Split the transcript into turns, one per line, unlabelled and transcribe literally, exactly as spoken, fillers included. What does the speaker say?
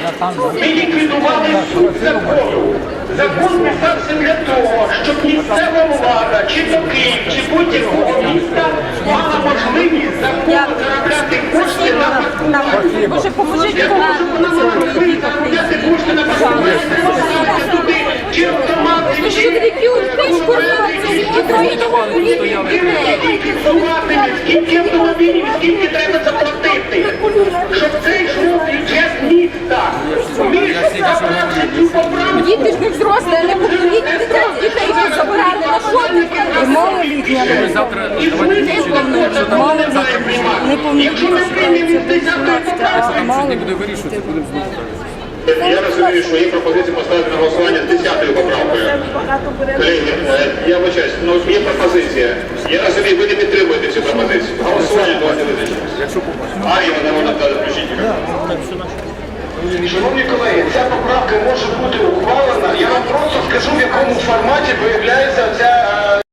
Ми ліквідували суть закону. Закон писався для того, щоб місцева влада, чи то Київ, чи будь-якого міста мала можливість законно заробляти кошти на паркування.
Боже, поможіть
Для того, щоб вона мала можливість заробляти кошти на паркування, поставити туди чи автомати, чи скільки автомобілів, скільки треба заплатити, щоб це йшло в бюджет міста. Ми забравши цю поправку.
Діти ж не взрослі, а не повнолітні дитя- дітей вже забирали на шопінг. Малолітні.
І смисл закону не має приймати. Якщо ми приймемо з десятої поправки,
Не буде вирішувати, будемо знову.
Я розумію, що є пропозиція поставити на голосування з десятою поправкою. Колеги, е, я вибачаюсь, ну є пропозиція. Я розумію, ви не підтримуєте цю пропозицію. Голосування давайте визначимося. Арія, народна депутата, включіть мікрофон.
шановні колеги, ця поправка може бути ухвалена. Я вам просто скажу, в якому форматі виявляється ця